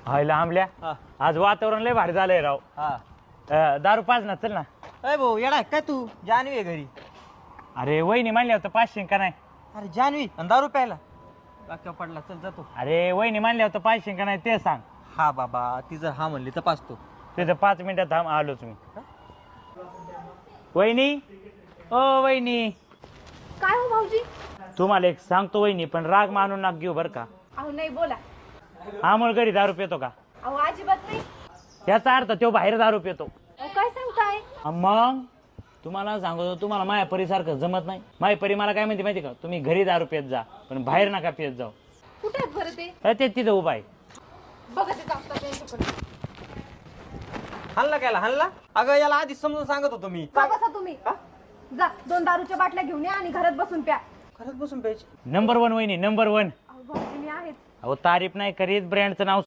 हायला आंबल्या हा. आज वातावरण लय भारी झालंय राव. दारू पाच ना, चल ना. अरे भाऊ येणार काय तू? जानवी आहे घरी. अरे वहिनी मानल्या होतं 500 का नाही? अरे जानवी आणि दारू प्यायला बाक्या पडला. चल जातो. अरे वहिनी मानल्या होतं 500 का नाही ते सांग. हा बाबा ती जर हा म्हणली तर पाचतो. तुझं 5 मिनिटात थांब, आलोच मी. वहिनी, ओ वहिनी, काय हो भाऊजी? तुम्हाला एक सांगतो वहिनी, पण राग मानून नाक घेऊ बर का. अहो नाही बोला. अमोल घरी दारू पितो का? अहो अजिबात नाही. याचा अर्थ तो बाहेर दारू पितो. अहो काय सांगताय? मग तुम्हाला सांगतो, तुम्हाला माया परीसारखं जमत नाही. माया परी मला काय म्हणते माहिती का, तुम्ही घरी दारू पित जा पण बाहेर नका पित जाऊ. कुठे आहेत बरं ते? ते तिथं उभा आहे. बघा ते जातात त्यांच्याकडे. हल्ला केला हल्ला. अगं याला आधी समजून सांगत होतो मी. जा बसा तुम्ही. जा 2 दारूच्या बाटल्या घेऊन या आणि घरात बसून प्या. खरंच बसून प्यायची. नंबर 1 वहिनी, नंबर 1. अहो भाऊजी मी आहेच. अहो तारीफ नाही करीत, ब्रँडचं नाव